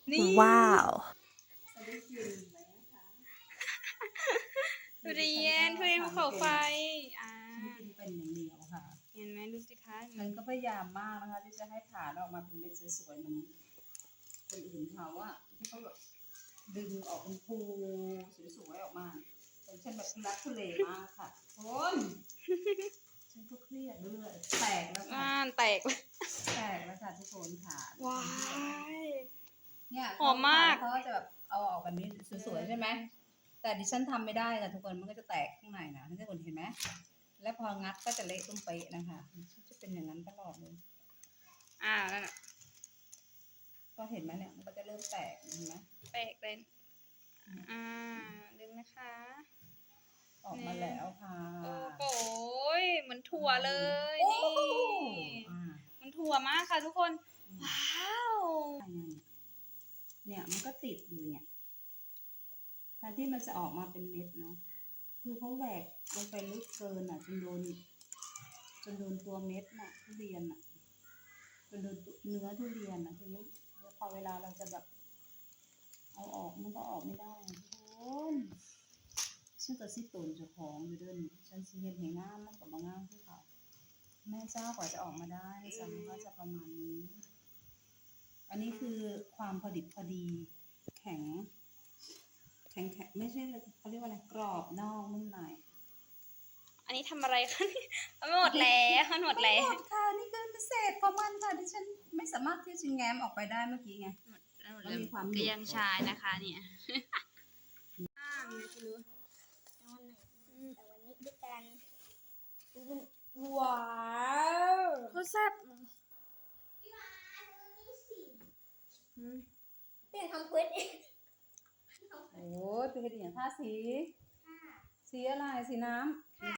นี่ว้าวจะได้กินไหมคะทุเรียนภูเขาไฟฉันกินเป็นอย่างเดียวค่ะเห็นไหมดูสิคะมันก็พยายามมากนะคะที่จะให้ผ่านออกมาเป็นเม็ดสวยๆเหมือนคนอื่นเขาอะที่เขาแบบดึงออกเป็นภูสวยๆออกมาแต่ฉันแบบทุลักทุเลมากค่ะคนฉันก็เครียดด้วยแตกแล้วค่ะแตกเลยแตกแล้วค่ะทุกคนค่ะว้ายเนี่ยหอมมากเขาก็จะแบบเอาออกแบบนี้สวยๆใช่ไหมแต่ดิฉันทำไม่ได้ค่ะทุกคนมันก็จะแตกข้างในนะทุกคนเห็นไหมแล้วพองัดก็จะเละตุ้มเป๊ะนะคะจะเป็นอย่างนั้นตลอดเลยนั่นน่ะก็เห็นไหมเนี่ยมันก็จะเริ่มแตกเห็นไหมแตกเลยดึงนะคะออกมาแล้วค่ะโอ้โหเหมือนถั่วเลยโอ้นี่โหอ่ามันถั่วมากค่ะทุกคน ว้าวเนี่ยมันก็ติดอยู่เนี่ยแทนที่มันจะออกมาเป็นเม็ดเนาะคือเขาแหวกลงไปลึกเกินอ่ะจนโดนตัวเม็ดน่ะทุเรียนอ่ะจนโดนเนื้อทุเรียนอ่ะทีนี้พอเวลาเราจะแบบเอาออกมันก็ออกไม่ได้ทุกคนฉันก็สิตนเจ้าของอยู่เดินฉันสิเห็นเห็นงามมันก็บ่งามที่เขาแม่เจ้ากว่าจะออกมาได้สังก็จะประมาณนี้ อันนี้คือความพอดิบพอดีแข็งไม่ใช่เขาเรียกว่าอะไรกรอบนอกนุ่มในอันนี้ทำอะไรคะมันหมดแล้วมันหมดแล้วไม่หมดค่ะนี่คือพิเศษของมันค่ะที่ฉันไม่สามารถที่จะแง้มออกไปได้เมื่อกี้ไง มันมีความหนึบก็ยังชายนะคะเนี่ยไม่รู้แต่วันนี้ด้วยกันว้าวโคตรแซ่บเปลี่ยนคำพูดเองโอ้ยเป็นกระดิ่งท่าสี สีอะไรสีน้ำ